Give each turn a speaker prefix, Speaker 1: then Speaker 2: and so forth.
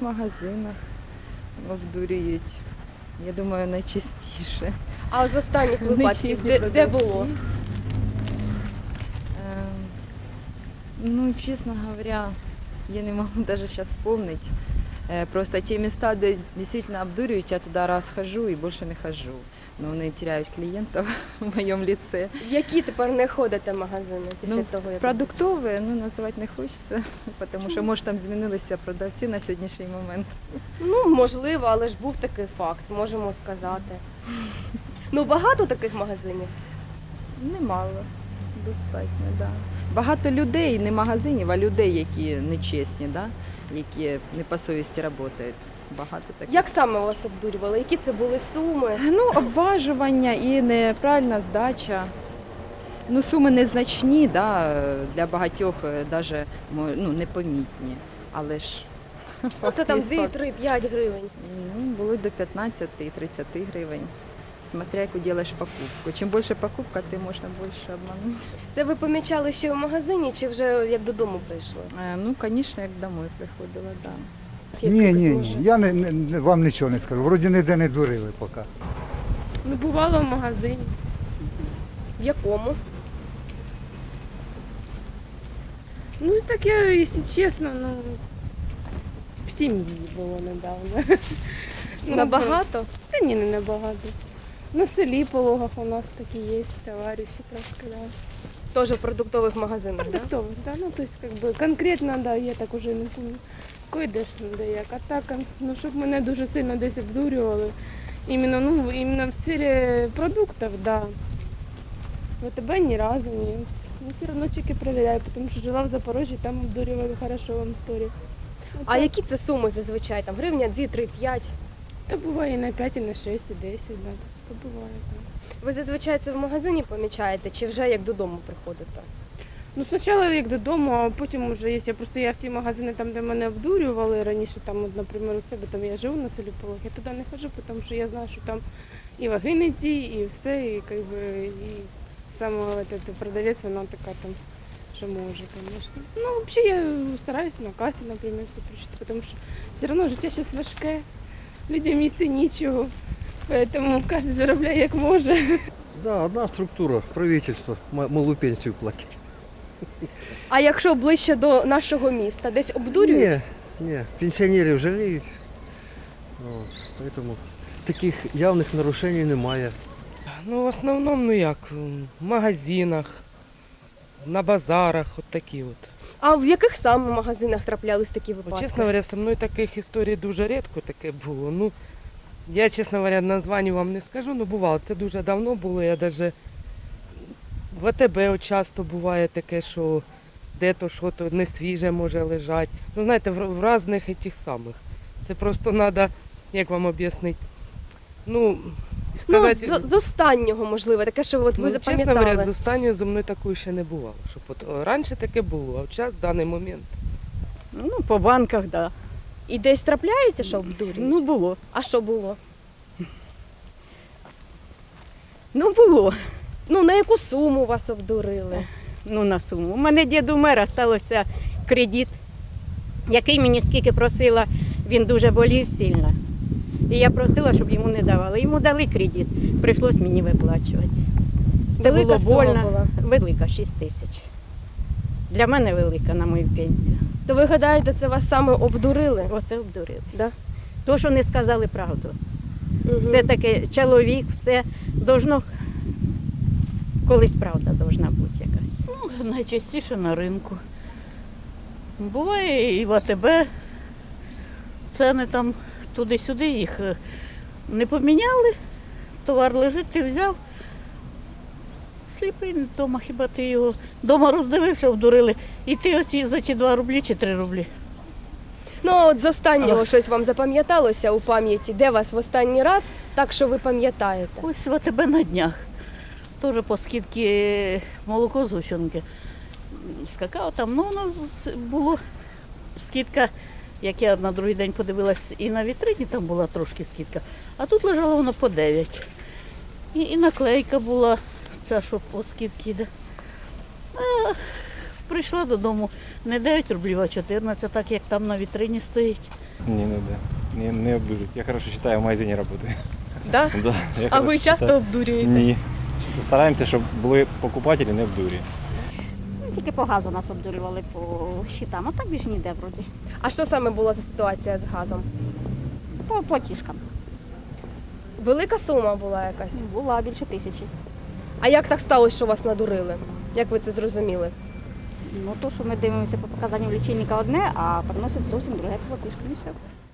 Speaker 1: магазинах обдурюють. Я думаю, найчастіше.
Speaker 2: А от з останніх
Speaker 1: Не
Speaker 2: випадків,
Speaker 1: чесні
Speaker 2: де
Speaker 1: продавці.
Speaker 2: було?
Speaker 1: Ну, честно говоря, я не могу даже сейчас вспомнить. Просто те места, где действительно обдуривают, я туда раз хожу и больше не хожу. Но они теряют клиентов в моем лице.
Speaker 2: В які тепер не ходите магазини після
Speaker 1: Ну,
Speaker 2: того, як...
Speaker 1: Продуктовые, ну, называть не хочется, потому что, может, там змінилися продавці на сьогоднішній момент.
Speaker 2: Ну, можливо, але ж був такий факт, можемо сказати. Ну, багато таких магазинів?
Speaker 1: Немало, достатньо, да. Багато людей, не магазинів, а людей, які нечесні, да? Які не по совісті працюють. Багато таких.
Speaker 2: Як саме вас обдурювали? Які це були суми?
Speaker 1: Ну, обважування і неправильна здача. Ну, суми незначні, да, для багатьох навіть непомітні. Але ж
Speaker 2: Ну, це там
Speaker 1: факт є
Speaker 2: 2,
Speaker 1: факт.
Speaker 2: 3, 5 гривень.
Speaker 1: Ну, були до 15 і 30 гривень. Смотря яку робиш покупку. Чим більше покупка, тим можна більше обманути.
Speaker 2: Це ви помічали ще в магазині чи вже як додому прийшли?
Speaker 1: Ну, звісно, як домой приходила, так. Да.
Speaker 3: Ні, я вам нічого не скажу. Вроді ніде не дурили поки.
Speaker 4: Ну, бувало в магазині.
Speaker 2: В якому?
Speaker 4: Ну, таке, якщо чесно, ну, в сім'ї було недавно. Ну,
Speaker 2: Набагато?
Speaker 4: Та ні, не набагато. На селі по логах у нас такі є товариші трошки, да.
Speaker 2: Теж в продуктових магазинах, так?
Speaker 4: Продуктових, да? Ну, то есть, как бы, конкретно, да, я так уже не помню. Койдеш, де як. А так, ну, щоб мене дуже сильно десь обдурювали. Іменно в сфері продуктів, да. ВТБ ні разу, ні. Ну, все одно чеки перевіряю, тому що жила в Запорожжі, там обдурювали, хорошо вам історію.
Speaker 2: А які це суми зазвичай? Там гривня, 2, 3, 5?
Speaker 4: Та буває і на 5, і на 6, і 10, да. То буває, так.
Speaker 2: Ви зазвичай це в магазині помічаєте чи вже як додому приходите?
Speaker 4: Ну, спочатку як додому, а потім вже, якщо я в ті магазини, там, де мене обдурювали раніше, там, от, наприклад, у себе, там я живу на селі Полог, я туди не ходжу, тому що я знаю, що там і ваги не ті, і все, і, как би, і саме продавець, вона така там, що може, звісно. Ну, взагалі, я стараюсь на касі, наприклад, все прочитати, тому що все одно життя зараз важке, людям їсти нічого, тому кожен заробляє як може.
Speaker 5: Да, одна структура, правительство, малу пенсію платить.
Speaker 2: А якщо ближче до нашого міста, десь обдурюють?
Speaker 5: Ні, пенсіонерів жаліють. От, поэтому таких явних нарушень немає.
Speaker 6: Ну, в основному, ну як, в магазинах, на базарах, от такі от.
Speaker 2: А в яких саме магазинах траплялись такі
Speaker 6: Ну,
Speaker 2: випадки?
Speaker 6: чесно говоря, со мною таких історій дуже рідко таке було. Ну, я, чесно говоря, названня вам не скажу, ну бувало, це дуже давно було, я навіть в АТБ от часто буває таке, що де-то щось не свіже може лежати. Ну, знаєте, в різних тих самих. Це просто треба, як вам об'яснити, ну,
Speaker 2: Ну,
Speaker 6: сказати...
Speaker 2: з останнього, можливо, таке, що от ви
Speaker 6: Чесно
Speaker 2: запам'ятали.
Speaker 6: говоря, з останньою зі мною такої ще не бувало. Щоб от, раніше таке було, а зараз в даний момент.
Speaker 7: Ну, по банках, так. Да.
Speaker 2: І десь трапляється, що обдурюють?
Speaker 7: Ну, було.
Speaker 2: А що було?
Speaker 7: Ну, було.
Speaker 2: Ну, на яку суму вас обдурили?
Speaker 7: Ну, на суму. У мене дід умер, а стався кредит, який мені скільки просила, він дуже болів сильно. І я просила, щоб йому не давали. Йому дали кредит, прийшлось мені виплачувати. Це
Speaker 2: Велика
Speaker 7: було
Speaker 2: сума
Speaker 7: больно.
Speaker 2: була.
Speaker 7: Велика, 6 тисяч. Для мене велика на мою пенсію.
Speaker 2: То ви гадаєте, це вас саме обдурили?
Speaker 7: Оце обдурили.
Speaker 2: Да?
Speaker 7: То, що не сказали правду.
Speaker 2: Мгм.
Speaker 7: Все-таки чоловік, все должно, колись правда должна бути якась.
Speaker 8: Ну, найчастіше на ринку. Буває і в АТБ. Ціни там туди-сюди їх не поміняли. Товар лежить, ти взяв. Сліпий вдома, хіба ти його вдома роздивився, обдурили. І ти оці за ті 2 рублі чи 3 рублі.
Speaker 2: Ну, а от з останнього щось вам запам'яталося у пам'яті? Де вас в останній раз, так що ви пам'ятаєте?
Speaker 8: Ось в АТБ на днях. Теж по скидці молоко з гущенки. З какао там, ну воно було скидка, як я на другий день подивилась, і на вітрині там була трошки скидка, а тут лежало воно по 9. І наклейка була, ця, що по скидці йде. А прийшла додому не 9 рублів, а 14, так як там на вітрині стоїть.
Speaker 9: Ні, не де. Не обдурюють. Я хорошо вважаю, в магазині працюю.
Speaker 2: Да?
Speaker 9: Да, я
Speaker 2: А ви
Speaker 9: хорошо
Speaker 2: часто
Speaker 9: считаю.
Speaker 2: обдурюєте?
Speaker 9: Ні. Стараємося, щоб були покупателі, не обдурі.
Speaker 10: Тільки по газу нас обдурювали по щитам, а так більш ніде вроді.
Speaker 2: А що саме була за ситуація з газом?
Speaker 10: По платіжкам.
Speaker 2: Велика сума була якась.
Speaker 10: Була більше 1000.
Speaker 2: А як так сталося, що вас надурили? Як ви це зрозуміли?
Speaker 10: Ну то, що ми дивимося по показанню лічильника одне, а приносить зовсім друге платіжка. І все.